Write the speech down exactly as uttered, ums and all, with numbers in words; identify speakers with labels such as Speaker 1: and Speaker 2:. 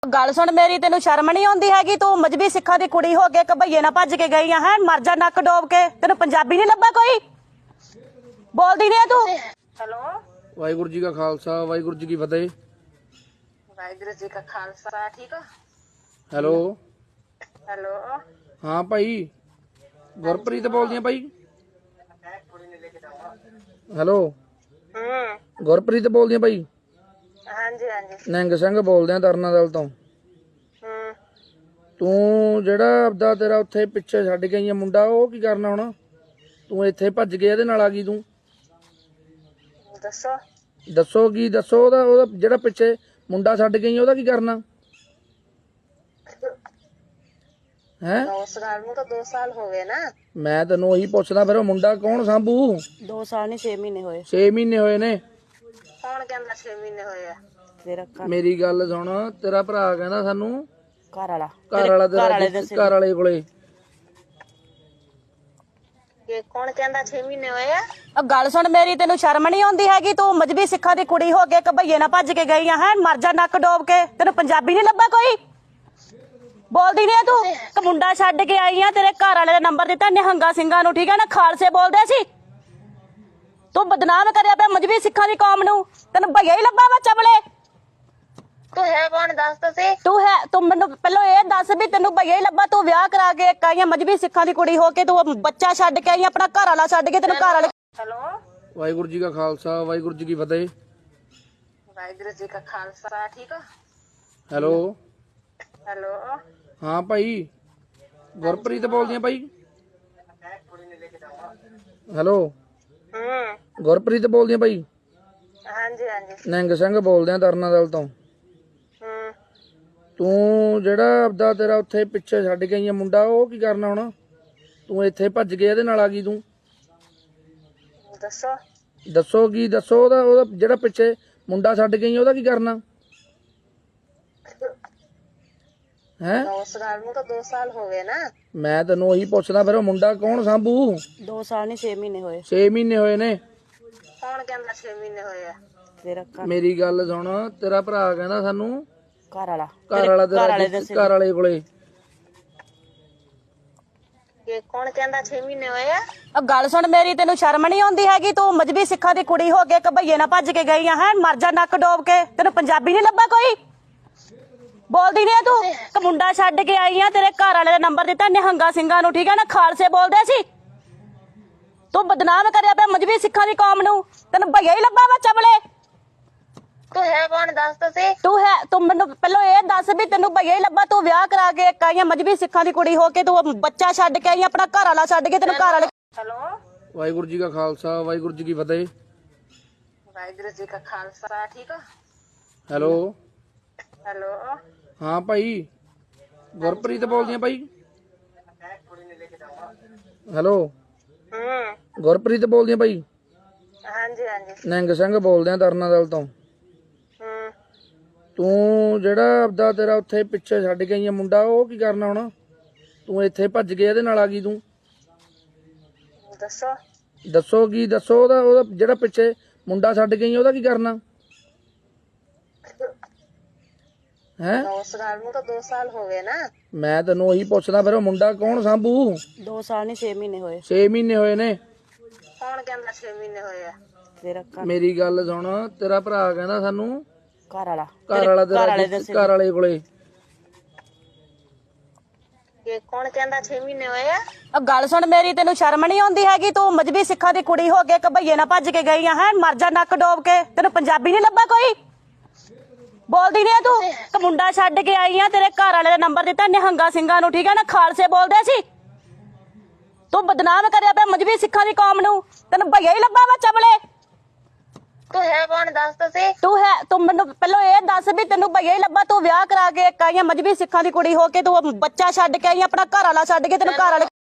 Speaker 1: ਗੱਲ ਸੁਣ ਮੇਰੀ, ਤੈਨੂੰ ਸ਼ਰਮ ਨਹੀਂ ਆਉਂਦੀ ਹੈਗੀ? ਤੂੰ ਮਜਬੀ ਸਿੱਖਾਂ ਦੀ ਕੁੜੀ ਹੋ ਕੇ ਕਬਈਏ ਨਾਲ ਭੱਜ ਕੇ ਗਈ ਆ ਹੈ। ਮਰ ਜਾ ਨੱਕ ਡੋਬ ਕੇ। ਤੈਨੂੰ ਪੰਜਾਬੀ ਨਹੀਂ ਲੱਭਾ ਕੋਈ? ਬੋਲਦੀ ਨਹੀਂ ਤੂੰ?
Speaker 2: ਹੈਲੋ,
Speaker 3: ਵਾਹਿਗੁਰੂ ਜੀ ਕਾ ਖਾਲਸਾ ਵਾਹਿਗੁਰੂ ਜੀ ਕੀ ਫਤਿਹ।
Speaker 2: ਵਾਹਿਗੁਰੂ ਜੀ ਕਾ ਖਾਲਸਾ। ਠੀਕ ਆ।
Speaker 3: ਹੈਲੋ,
Speaker 2: ਹੈਲੋ,
Speaker 3: ਹਾਂ ਭਾਈ, ਗੁਰਪ੍ਰੀਤ ਬੋਲਦੀਆਂ ਭਾਈ। ਹੈਲੋ,
Speaker 2: ਹੂੰ,
Speaker 3: ਗੁਰਪ੍ਰੀਤ ਬੋਲਦੀਆਂ ਭਾਈ।
Speaker 2: ਹਾਂਜੀ ਹਾਂਜੀ,
Speaker 3: ਨਿੰਗ ਸਿੰਘ ਬੋਲਦੇ ਆ ਤਰਨਾ ਦਲ ਤੋਂ।
Speaker 2: ਹੂੰ।
Speaker 3: ਤੂੰ ਜਿਹੜਾ ਆਪਦਾ ਤੇਰਾ ਉੱਥੇ ਪਿੱਛੇ ਛੱਡ ਕੇ ਆਈਆਂ ਮੁੰਡਾ, ਉਹ ਕੀ ਕਰਨਾ ਹੁਣ? ਤੂੰ ਇੱਥੇ ਭੱਜ ਕੇ ਇਹਦੇ ਨਾਲ ਆ ਗਈ ਤੂੰ?
Speaker 2: ਦੱਸੋ।
Speaker 3: ਦੱਸੋ ਕੀ ਦੱਸੋ? ਉਹਦਾ ਉਹਦਾ ਜਿਹੜਾ ਪਿੱਛੇ ਮੁੰਡਾ ਛੱਡ ਗਈ ਉਹਦਾ ਕੀ ਕਰਨਾ ਹੈ?
Speaker 2: ਉਸ ਗੱਲ ਨੂੰ ਤਾਂ ਦੋ ਸਾਲ ਹੋ ਗਏ ਨਾ।
Speaker 3: ਮੈਂ ਤੈਨੂੰ ਉਹੀ ਪੁੱਛਦਾ, ਫਿਰ ਉਹ ਮੁੰਡਾ ਕੌਣ ਸਾਂਭੂ?
Speaker 1: ਦੋ ਸਾਲ ਨਹੀਂ ਛੇ ਮਹੀਨੇ ਹੋਏ।
Speaker 3: ਛੇ ਮਹੀਨੇ ਹੋਏ ਨੇ।
Speaker 2: ਕੌਣ ਕਹਿੰਦਾ ਛੇ ਮਹੀਨੇ ਹੋਏ ਆ?
Speaker 1: ਤੇਰਾ
Speaker 3: ਮੇਰੀ ਗੱਲ ਸੁਣ, ਤੇਰਾ ਭਰਾ ਕਹਿੰਦਾ ਸਾਨੂੰ
Speaker 1: ਘਰ ਵਾਲਾ
Speaker 3: ਘਰ ਵਾਲਾ ਤੇਰਾ ਘਰ ਵਾਲੇ ਕੋਲੇ।
Speaker 2: ਇਹ ਕੌਣ ਕਹਿੰਦਾ ਛੇ ਮਹੀਨੇ ਹੋਏ ਆ?
Speaker 1: ਗੱਲ ਸੁਣ ਮੇਰੀ, ਤੈਨੂੰ ਸ਼ਰਮ ਨਹੀਂ ਆਉਂਦੀ ਹੈਗੀ? ਤੂੰ ਮਜਬੀ ਸਿੱਖਾਂ ਦੀ ਕੁੜੀ ਹੋ ਕੇ ਕਬਈਏ ਨਾਲ ਭੱਜ ਕੇ ਗਈ ਆ ਹੈ। ਮਰ ਜਾ ਨੱਕ ਡੋਬ ਕੇ। ਤੈਨੂੰ ਪੰਜਾਬੀ ਨਹੀਂ ਲੱਭਾ ਕੋਈ? ਬੋਲਦੀ ਨਹੀਂ ਤੂੰ? ਇੱਕ ਮੁੰਡਾ ਛੱਡ ਕੇ ਆਈ ਆ, ਤੇਰੇ ਘਰ ਵਾਲੇ ਦਾ ਨੰਬਰ ਦਿੱਤਾ ਨਿਹੰਗਾ ਸਿੰਘਾਂ ਨੂੰ, ਠੀਕ ਹੈ ਨਾ? ਖਾਲਸੇ ਬੋਲਦੇ ਸੀ। ਤੂੰ ਬਦਨਾਮ ਕਰਿਆ ਪਿਆ ਮਜਬੀ ਸਿੱਖਾਂ ਦੀ ਕੌਮ ਨੂੰ। ਤੈਨੂੰ ਭਈਆ ਹੀ ਲੱਭਾ ਵਾ ਚਬਲੇ।
Speaker 2: ਤੂੰ ਹੈ ਕੌਣ ਦੱਸ ਤਾਂ ਸੀ।
Speaker 1: ਤੂੰ ਹੈ ਤੂੰ ਮੈਨੂੰ ਪਹਿਲਾਂ ਇਹ ਦੱਸ ਵੀ ਤੈਨੂੰ ਭਈਆ ਹੀ ਲੱਭਾ? ਤੂੰ ਵਿਆਹ ਕਰਾ ਕੇ ਇੱਕ ਆਈ ਆ ਮਜਬੀ ਸਿੱਖਾਂ ਦੀ ਕੁੜੀ ਹੋ ਕੇ, ਤੂੰ ਬੱਚਾ ਛੱਡ ਕੇ ਆਈ, ਆਪਣਾ ਘਰ ਵਾਲਾ ਛੱਡ ਕੇ। ਤੈਨੂੰ ਘਰ ਵਾਲੇ
Speaker 2: ਹੈਲੋ,
Speaker 3: ਵਾਹਿਗੁਰੂ ਜੀ ਕਾ ਖਾਲਸਾ ਵਾਹਿਗੁਰੂ ਜੀ ਕੀ ਫਤਿਹ।
Speaker 2: ਵਾਹਿਗੁਰੂ ਜੀ ਕਾ ਖਾਲਸਾ। ਠੀਕ ਆ।
Speaker 3: ਹੈਲੋ,
Speaker 2: ਹੈਲੋ,
Speaker 3: ਹਾਂ ਭਾਈ, ਗੁਰਪ੍ਰੀਤ ਬੋਲਦੀਆਂ ਭਾਈ। ਹੈਲੋ,
Speaker 2: ਹੂੰ,
Speaker 3: ਗੁਰਪ੍ਰੀਤ ਬੋਲਦੀਆਂ ਭਾਈ।
Speaker 2: ਹਾਂਜੀ ਹਾਂਜੀ,
Speaker 3: ਨਿੰਗ ਸਿੰਘ ਬੋਲਦੇ ਆ ਤਰਨਾ ਦਲ ਤੋਂ।
Speaker 2: ਹੂੰ।
Speaker 3: ਤੂੰ ਜਿਹੜਾ ਆਪਦਾ ਤੇਰਾ ਉੱਥੇ ਪਿੱਛੇ ਛੱਡ ਕੇ ਆਈਆਂ ਮੁੰਡਾ, ਉਹ ਕੀ ਕਰਨਾ ਹੁਣ? ਤੂੰ ਇੱਥੇ ਭੱਜ ਕੇ ਇਹਦੇ ਨਾਲ ਆ ਗਈ ਤੂੰ?
Speaker 2: ਦੱਸੋ।
Speaker 3: ਦੱਸੋ ਕੀ ਦੱਸੋ? ਉਹਦਾ ਉਹਦਾ ਜਿਹੜਾ ਪਿੱਛੇ ਮੁੰਡਾ ਛੱਡ ਗਈ ਉਹਦਾ ਕੀ ਕਰਨਾ ਹੈ?
Speaker 2: ਉਸ ਗੱਲ ਨੂੰ ਤਾਂ ਦੋ ਸਾਲ ਹੋ ਗਏ ਨਾ। ਮੈਂ
Speaker 3: ਤੈਨੂੰ ਉਹੀ ਪੁੱਛਦਾ, ਫਿਰ ਉਹ ਮੁੰਡਾ ਕੌਣ ਸਾਂਭੂ?
Speaker 1: ਦੋ ਸਾਲ ਨਹੀਂ ਛੇ ਮਹੀਨੇ ਹੋਏ।
Speaker 3: ਛੇ ਮਹੀਨੇ ਹੋਏ ਨੇ।
Speaker 2: ਕੌਣ ਕਹਿੰਦਾ ਛੇ ਮਹੀਨੇ ਹੋਏ ਆ?
Speaker 1: ਤੇਰਾ
Speaker 3: ਮੇਰੀ ਗੱਲ ਸੁਣ, ਤੇਰਾ ਭਰਾ ਕਹਿੰਦਾ ਸਾਨੂੰ
Speaker 1: ਘਰ ਵਾਲਾ
Speaker 3: ਘਰ ਵਾਲਾ ਤੇਰਾ ਘਰ ਵਾਲੇ ਕੋਲੇ।
Speaker 2: ਇਹ ਕੌਣ ਕਹਿੰਦਾ ਛੇ ਮਹੀਨੇ ਹੋਏ ਆ?
Speaker 1: ਗੱਲ ਸੁਣ ਮੇਰੀ, ਤੈਨੂੰ ਸ਼ਰਮ ਨਹੀਂ ਆਉਂਦੀ ਹੈਗੀ? ਤੂੰ ਮਜਬੀ ਸਿੱਖਾਂ ਦੀ ਕੁੜੀ ਹੋ ਕੇ ਕਬਈਏ ਨਾਲ ਭੱਜ ਕੇ ਗਈ ਆ ਹੈ। ਮਰ ਜਾ ਨੱਕ ਡੋਬ ਕੇ। ਤੈਨੂੰ ਪੰਜਾਬੀ ਨਹੀਂ ਲੱਭਾ ਕੋਈ? ਬੋਲਦੀ ਨਹੀਂ ਤੂੰ? ਇੱਕ ਮੁੰਡਾ ਛੱਡ ਕੇ ਆਈ ਆ, ਤੇਰੇ ਘਰ ਵਾਲੇ ਦਾ ਨੰਬਰ ਦਿੱਤਾ ਨਿਹੰਗਾ ਸਿੰਘਾਂ ਨੂੰ, ਠੀਕ ਹੈ ਨਾ? ਖਾਲਸੇ ਬੋਲਦੇ ਸੀ। ਤੂੰ ਬਦਨਾਮ ਕਰਿਆ ਪਿਆ ਮਜਬੀ ਸਿੱਖਾਂ ਦੀ ਕੌਮ ਨੂੰ। ਤੈਨੂੰ ਭਈਆ ਹੀ ਲੱਭਾ ਵਾ ਚਬਲੇ।
Speaker 2: ਤੂੰ ਹੈ ਕੌਣ ਦੱਸ ਤਾਂ ਸੀ।
Speaker 1: ਤੂੰ ਹੈ ਤੂੰ ਮੈਨੂੰ ਪਹਿਲਾਂ ਇਹ ਦੱਸ ਵੀ ਤੈਨੂੰ ਭਈਆ ਹੀ ਲੱਭਾ? ਤੂੰ ਵਿਆਹ ਕਰਾ ਕੇ ਇੱਕ ਆਈ ਆ ਮਜਬੀ ਸਿੱਖਾਂ ਦੀ ਕੁੜੀ ਹੋ ਕੇ, ਤੂੰ ਬੱਚਾ ਛੱਡ ਕੇ ਆਈ, ਆਪਣਾ ਘਰ ਵਾਲਾ ਛੱਡ ਕੇ। ਤੈਨੂੰ ਘਰ ਵਾਲੇ
Speaker 2: ਹੈਲੋ,
Speaker 3: ਵਾਹਿਗੁਰੂ ਜੀ ਕਾ ਖਾਲਸਾ ਵਾਹਿਗੁਰੂ ਜੀ ਕੀ ਫਤਿਹ।
Speaker 2: ਵਾਹਿਗੁਰੂ ਜੀ ਕਾ ਖਾਲਸਾ। ਠੀਕ ਆ।
Speaker 3: ਹੈਲੋ,
Speaker 2: ਹੈਲੋ,
Speaker 3: ਹਾਂ ਭਾਈ, ਗੁਰਪ੍ਰੀਤ ਬੋਲਦੀਆਂ ਭਾਈ। ਹੈਲੋ,
Speaker 2: ਹੂੰ,
Speaker 3: ਗੁਰਪ੍ਰੀਤ ਬੋਲਦੀਆਂ ਭਾਈ।
Speaker 2: ਹਾਂਜੀ ਹਾਂਜੀ,
Speaker 3: ਨਿੰਗ ਸਿੰਘ ਬੋਲਦੇ ਆ ਤਰਨਾ ਦਲ ਤੋਂ।
Speaker 2: ਹੂੰ।
Speaker 3: ਤੂੰ ਜਿਹੜਾ ਆਪਦਾ ਤੇਰਾ ਉੱਥੇ ਪਿੱਛੇ ਛੱਡ ਕੇ ਆਈਆਂ ਮੁੰਡਾ, ਉਹ ਕੀ ਕਰਨਾ ਹੁਣ? ਤੂੰ ਇੱਥੇ ਭੱਜ ਕੇ ਇਹਦੇ ਨਾਲ ਆ ਗਈ ਤੂੰ?
Speaker 2: ਦੱਸੋ।
Speaker 3: ਦੱਸੋ ਕੀ ਦੱਸੋ? ਉਹਦਾ ਉਹਦਾ ਜਿਹੜਾ ਪਿੱਛੇ ਮੁੰਡਾ ਛੱਡ ਗਈ ਉਹਦਾ ਕੀ ਕਰਨਾ ਹੈ?
Speaker 2: ਉਸ ਗੱਲ ਨੂੰ ਤਾਂ ਦੋ ਸਾਲ ਹੋ ਗਏ ਨਾ।
Speaker 3: ਮੈਂ ਤੈਨੂੰ ਉਹੀ ਪੁੱਛਦਾ, ਫਿਰ ਉਹ ਮੁੰਡਾ ਕੌਣ ਸਾਂਭੂ?
Speaker 1: ਦੋ ਸਾਲ ਨਹੀਂ ਛੇ ਮਹੀਨੇ ਹੋਏ।
Speaker 3: ਛੇ ਮਹੀਨੇ ਹੋਏ ਨੇ।
Speaker 2: ਕੌਣ ਕਹਿੰਦਾ ਛੇ ਮਹੀਨੇ ਹੋਏ ਆ?
Speaker 1: ਤੇਰਾ
Speaker 3: ਮੇਰੀ ਗੱਲ ਸੁਣ, ਤੇਰਾ ਭਰਾ ਕਹਿੰਦਾ ਸਾਨੂੰ
Speaker 1: ਘਰ ਵਾਲਾ
Speaker 3: ਘਰ ਵਾਲਾ ਤੇਰਾ ਘਰ ਵਾਲੇ ਕੋਲੇ।
Speaker 2: ਇਹ ਕੌਣ ਕਹਿੰਦਾ ਛੇ ਮਹੀਨੇ ਹੋਏ ਆ?
Speaker 1: ਗੱਲ ਸੁਣ ਮੇਰੀ, ਤੈਨੂੰ ਸ਼ਰਮ ਨਹੀਂ ਆਉਂਦੀ ਹੈਗੀ? ਤੂੰ ਮਜਬੀ ਸਿੱਖਾਂ ਦੀ ਕੁੜੀ ਹੋ ਕੇ ਕਬਈਏ ਨਾਲ ਭੱਜ ਕੇ ਗਈ ਆ ਹੈ। ਮਰ ਜਾ ਨੱਕ ਡੋਬ ਕੇ। ਤੈਨੂੰ ਪੰਜਾਬੀ ਨਹੀਂ ਲੱਭਾ ਕੋਈ? ਬੋਲਦੀ ਨਹੀਂ ਤੂੰ? ਇੱਕ ਮੁੰਡਾ ਛੱਡ ਕੇ ਆਈ ਆ, ਤੇਰੇ ਘਰ ਵਾਲੇ ਦਾ ਨੰਬਰ ਦਿੱਤਾ ਨਿਹੰਗਾ ਸਿੰਘਾਂ ਨੂੰ, ਠੀਕ ਹੈ ਨਾ? ਖਾਲਸੇ ਬੋਲਦੇ ਸੀ। ਤੂੰ ਬਦਨਾਮ ਕਰਿਆ ਪਿਆ ਮਜਬੀ ਸਿੱਖਾਂ ਦੀ ਕੌਮ ਨੂੰ। ਤੈਨੂੰ ਭਈਆ ਹੀ ਲੱਭਾ ਵਾ ਚਬਲੇ।
Speaker 2: ਤੂੰ ਹੈ ਕੌਣ ਦੱਸ ਤਾਂ ਸੀ।
Speaker 1: ਤੂੰ ਹੈ ਤੂੰ ਮੈਨੂੰ ਪਹਿਲਾਂ ਇਹ ਦੱਸ ਵੀ ਤੈਨੂੰ ਭਈਆ ਹੀ ਲੱਭਾ? ਤੂੰ ਵਿਆਹ ਕਰਾ ਕੇ ਇੱਕ ਆਈ ਆ ਮਜਬੀ ਸਿੱਖਾਂ ਦੀ ਕੁੜੀ ਹੋ ਕੇ, ਤੂੰ ਬੱਚਾ ਛੱਡ ਕੇ ਆਈ, ਆਪਣਾ ਘਰ ਵਾਲਾ ਛੱਡ ਕੇ। ਤੈਨੂੰ ਘਰ ਵਾਲੇ